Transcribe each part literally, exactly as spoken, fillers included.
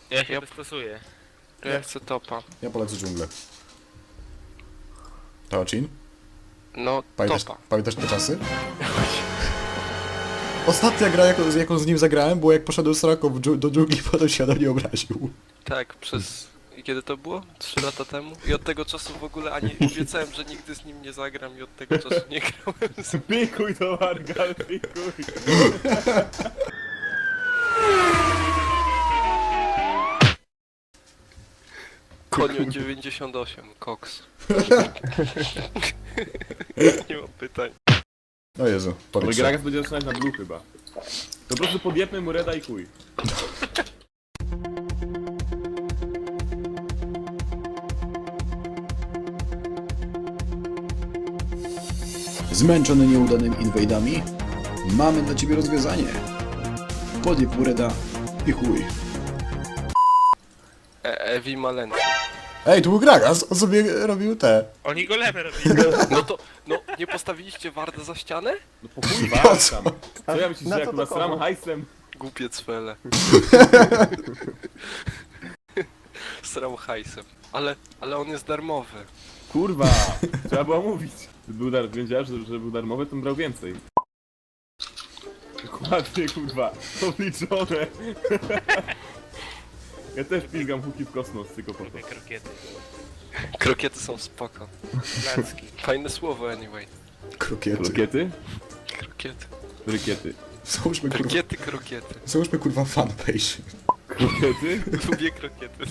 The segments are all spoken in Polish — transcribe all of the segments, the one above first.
Ja się Ja- dostosuję. Ja chcę topa. Ja polecę dżunglę. Teocin? No, Pamiętasz, topa. pamiętasz te czasy? Ostatnia gra, jaką, jaką z nim zagrałem, było jak poszedłem z Raką dżu- do dżungli, potem się na nie obraził. Tak, przez... Kiedy to było? Trzy lata temu? I od tego czasu w ogóle ani... Obiecałem, że nigdy z nim nie zagram i od tego czasu nie grałem z... Pikuj to Margal, pikuj. Konio dziewięćdziesiąt osiem, koks. Nie mam pytań. No Jezu, Ale powiedz. Gragas będzie zaczynać na blue chyba. To po prostu podjepmy mu reda i chuj. Zmęczony nieudanymi inwajdami? Mamy dla ciebie rozwiązanie. Podjeb Ureda i chuj. E Ewi Malencki. Ej, tu był Gragas, on sobie robił te. Oni golemy robili. No to... No, nie postawiliście Warda za ścianę? No po chuj Po was co? tam. Co ja myślisz, że jak was ram hajsem? Głupie cwele. Sram hajsem. Ale... ale on jest darmowy. Kurwa, trzeba było mówić. Gdyby był dar... wiedziałem, że, że był darmowy, to bym brał więcej. Dokładnie, kurwa, obliczone. Ja też pingam huki w kosmos, tylko po to. Te krokiety. Krokiety są spoko. Placki. Fajne słowo anyway. Krokiety. Krokiety? Krokiety. Rykiety. Załóżmy kurwa, Krokiety, krokiety. załóżmy kurwa fanpage. Krokiety? Lubię krokiety.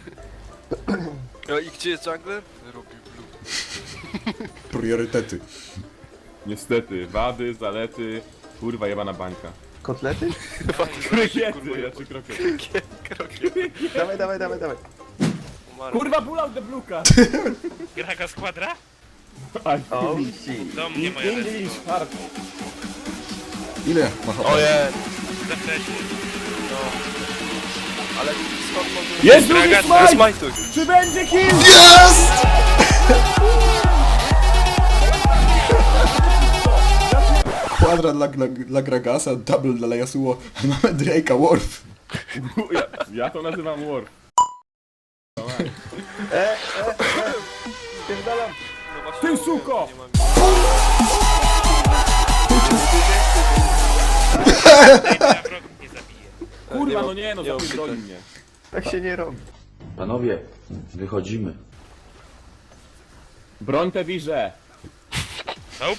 No i gdzie jest jungler? Robi blue. Priorytety. Niestety, wady, zalety, kurwa jebana bańka. Kotlety? Krokiety, ja czy krokiety? Krokiety. Dawaj, dawaj, dawaj, dawaj. Umarł. Kurwa, pull out the bluka! Graga składra? Aj, Oh shit. Do mnie moja English, lecą. hard. Ile ma H P? Ojej, Za wcześnie. no. Ale skąd może... Jest drugi Gragas, smite! Smajtuj. Czy będzie kill? Jest! Kwadra dla, dla, dla Gragasa, double dla Yasuo, a mamy Drake'a Worf. Ja, ja to nazywam war. E, e, e. Spierdalam. No właśnie Ty, mówiłem, suko! nie mam- Daj na wrogów nie zabije. Kurwa, ma- no nie, no nie ma zapierdoli pytań. mnie. Tak się nie robi. Panowie, wychodzimy. Broń te wirze. Nope.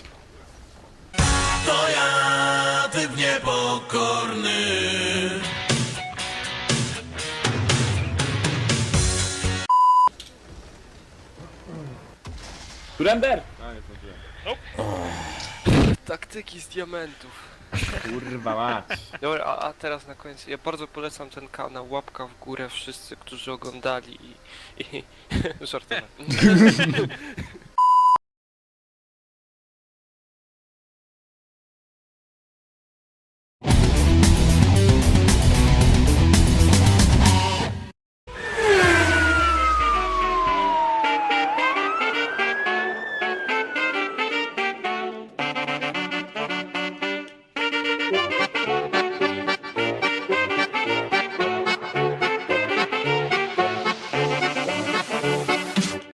Surrender! A, nie zdążyłem. Taktyki z diamentów. Kurwa mać. Dobra, a, a teraz na koniec. Ja bardzo polecam ten kanał. Łapka w górę wszyscy, którzy oglądali i... i żartowałem.